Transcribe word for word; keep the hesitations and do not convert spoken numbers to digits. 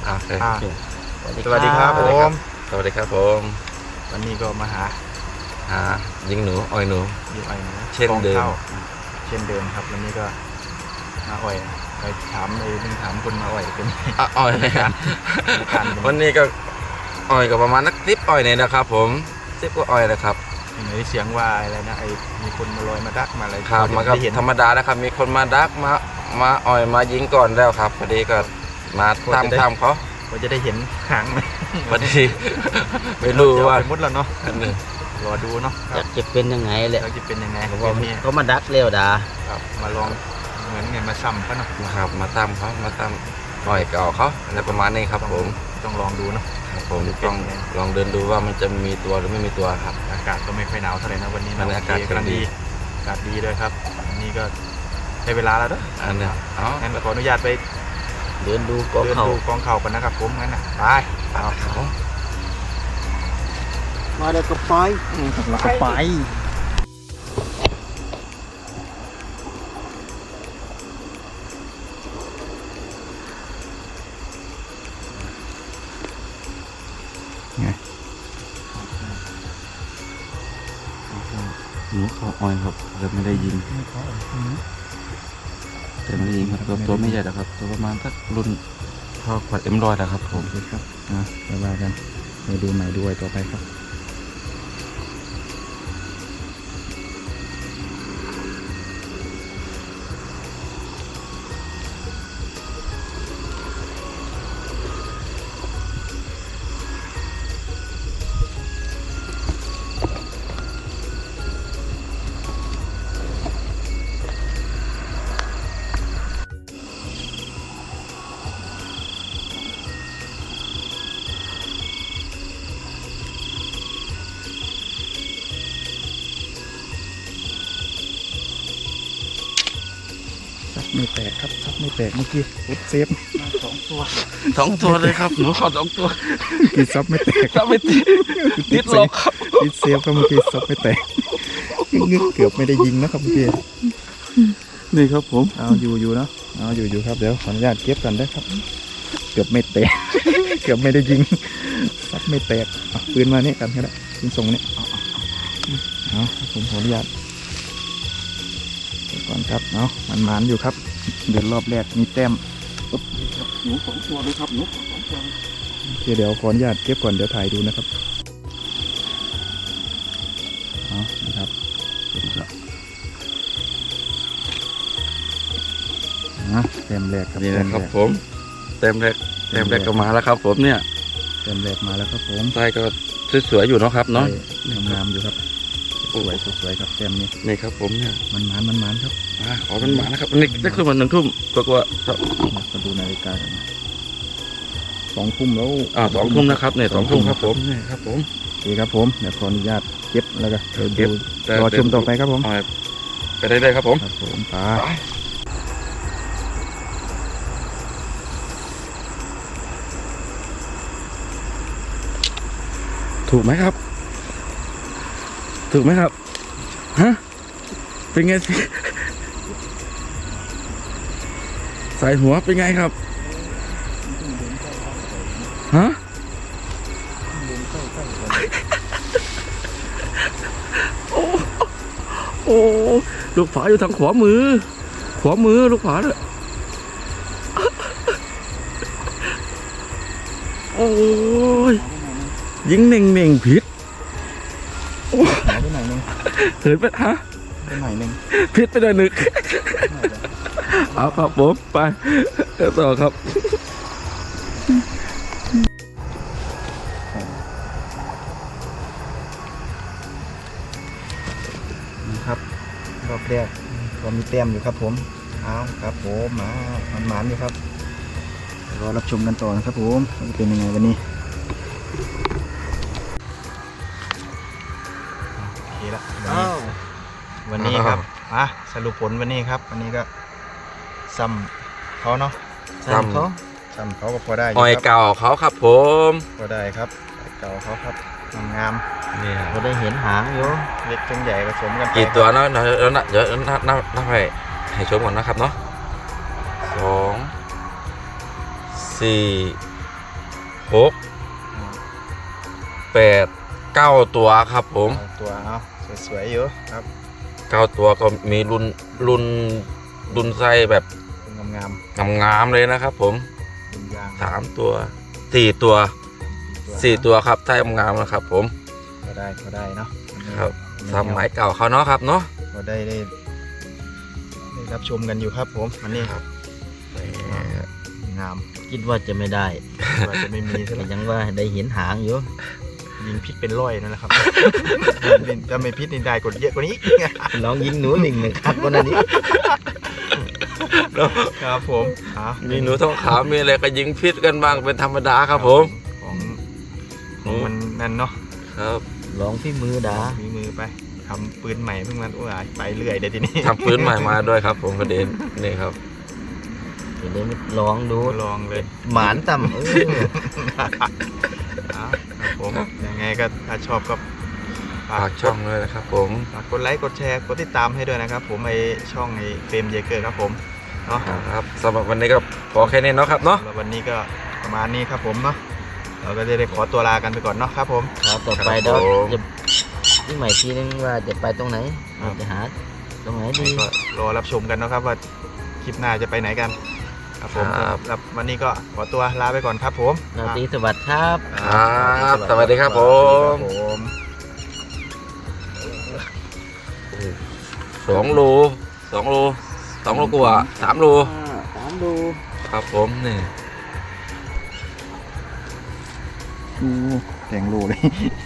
อ่าสวัสดีครับผมสวัสดีครับผมวันนี้ก็มาหาหายิงหนูอ้อยหนูยิงอ้อยหนูเช่นเดิมเช่นเดิมครับวันนี้ก็มาอ้อยไปถามเลยนึงถามคนมาอ้อยเป็นอ้อยในการวันนี้ก็อ้อยก็ประมาณนักสิบอ้อยเนี่ยนะครับผมสิบก็อ้อยนะครับเห็นเสียงว่าอะไรนะไอ้มีคนมาลอยมาดักมาอะไรครับมันก็ธรรมดานะครับมีคนมาดักมามาอ้อยมายิงก่อนแล้วครับพอดีก็มาตามตามเขาก็จะได้เห็นหางไหมพอดีไม่รู้ว่ามุดแล้วเนาะรอดูเนาะอยากจะเป็นยังไงแหละอยากจะเป็นยังไงเขามาดักเร็วดาครับมาลองเหมือนไงมาซ้ำเขาเนาะครับมาตามเขามาตามอ้อยเก่าเขาอะไรประมาณนี้ครับผมต้องลองดูเนาะผมต้องลองเดินดูว่ามันจะมีตัวหรือไม่มีตัวครับอากาศก็ไม่ค่อยหนาวเท่าไหร่นะวันนี้อากาศกำลังดีอากาศดีเลยครับวันนี้ก็ได้เวลาแล้วเนาะอันนี้อ๋องั้นขออนุญาตไปเดินดูกองเขากองเขากันนะครับผมงั้นนะไปเอาเขามาเดี๋ยวก็ไปแล้วก็ไปไงหนูเขาอ้อยครับแต่ไม่ได้ยิงแต่ไม่ได้ยิงครับตัวตัวไม่ใหญ่นะครับตัวประมาณสักรุ่นเท่าขวดเอ็มร้อยนะครับผมครับนะไปว่ากันไปดูใหม่ด้วยต่อไปครับซับไม่แตกครับซับไม่แตกเมื่อกี้อุดเซฟสองตัวสองตัวเลยครับหนูขอสองตัวกี่ซับไม่แตกซับไม่ติดติดหลอกครับติดเซฟครับเมื่อกี้ซับไม่แตกงึกเกือบไม่ได้ยิงนะครับเมื่อกี้นี่ครับผมเอาอยู่อยู่นะเอาอยู่อยู่ครับเดี๋ยวขออนุญาตเก็บกันได้ครับเกือบไม่แตกเกือบไม่ได้ยิงซับไม่แตกปืนมาเนี่ยกันก็ได้ปืนส่งเนี่ยเอาผมขออนุญาตก่อนครับเนาะมันมันอยู่ครับเดินรอบแรกมีแต้มปุ๊บหนูสองตัวเลยครับหนูสองตัวโอเคเดี๋ยวขออนุญาตเก็บก่อนเดี๋ยวถ่ายดูนะครับเอานะครับนะแต้มแรกครับนี่นะครับผมแต้มแรกแต้มแรกก็มาแล้วครับผมเนี่ยแต้มแรกมาแล้วครับผมใต้ก็สวยๆอยู่เนาะครับเนาะงามอยู่ครับสวยสวยครับแต้มนี้นี่ครับผมเนี่ยมันมันมันมันครับอ่าขอมันมันนะครับนี่ได้ขึ้นมาหนึ่งทุ่มกว่าๆครับมาดูนาฬิกากันสองทุ่มแล้วอ่าสองทุ่มนะครับเนี่ยสองทุ่มครับผมนี่ครับผมดีครับผมเดี๋ยวขออนุญาตเก็บแล้วก็เดี๋ยวดูรอชมต่อไปครับผมไปได้เลยครับผมครับผมไปถูกไหมครับถูกไหมครับฮะเป็นไงสิใส่หัวเป็นไงครับฮะโอ้โอ้ลูกผาอยู่ทางขวามือขวามือลูกผาเนี่ยโอ้ยยิงเน่งเน่งผิดหายไปไหนนึงเถิดไปฮะไปไหนนึงผิดไปหน่อยหนึ่งเอาครับผมไปต่อครับนะครับรอบแรกก็มีแต้มอยู่ครับผมเอาครับผมมามันหมานอยู่ครับรอรับชมกันต่อนะครับผมจะเป็นยังไงวันนี้โอเคละวันนี้ครับอ่ะสรุปผลวันนี้ครับวันนี้ก็ซ้ำเขาเนาะซ้ำเขาซ้ำเขาก็พอได้อ้อยเก่าเขาครับผมพอได้ครับเก่าเขาครับงามนี่เราได้เห็นหางอยู่เล็กจนใหญ่ผสมกันกี่ตัวเนาะเดี๋ยวนะเดี๋ยวนับนับนับให้ให้ชมก่อนนะครับเนาะสองสี่หกแปดเก้าตัวครับผมเอาตัวเอาสวยๆอยู่ครับเก้าตัวก็มีรุ่นรุ่นรุ่นไส้แบบงามงามๆเลยนะครับผมๆเป็นยางสามตัวสี่ตัวสี่ตัวครับไส้งามๆนะครับผมก็ได้ก็ได้เนาะครับสมัยเก่าเขาเนาะครับเนาะก็ได้ได้ได้รับชมกันอยู่ครับผมวันนี้ครับงามคิดว่าจะไม่ได้ว่าจะไม่มีซะแต่แล้วยังว่าได้เห็นหางอยู่ยิงพิษเป็นร้อยนั่นแหละครับ ถ้าไม่พิษนี่ได้กดเยอะกว่านี้ลองยิงหนูหนึ่งหนึ่งครับวันนี้ครับผมอ่ะมีหนูทองขาวมีอะไรก็ยิงพิษกันบ้างเป็นธรรมดาครับผมของของมันนั่นเนาะครับลองพี่มือดามีมือไปทำปืนใหม่เพิ่งมันโอ้ยไปเรื่อยเดี๋ยวทีนี้ทำปืนใหม่มาด้วยครับผมประเด็นนี่ครับเดี๋ยวได้ลองดูลองเลยหมานต่ำเอออ่ะครับผมยังไงก็ถ้าชอบก็ฝากช่องด้วยนะครับผมฝากกดไลค์กดแชร์กดติดตามให้ด้วยนะครับ ผมไอช่องไอเฟรมเยเกอร์ครับผมเนาะครับสำหรับวันนี้ก็พอแค่นี้เนาะครับเนาะแล้ววันนี้ก็ประมาณนี้ครับผมเนาะเราก็จะได้ขอตัวลากันไปก่อนเนาะครับผมครับต่อไปเดี๋ยวจะนี่ใหม่ทีนึงว่าจะไปตรงไหนเราจะหาตรงไหนดีก็รอรับชมกันนะครับว่าคลิปหน้าจะไปไหนกันครับผมสำหรับวันนี้ก็ขอตัวลาไปก่อนครับผมนาตรีสวัสดิ์ครับครับสวัสดีครับผมสวัสดีครับผมสองโลสองโลสองโลกว่าสามโลสามดูครับผมนี่โอ้แกงโลเลย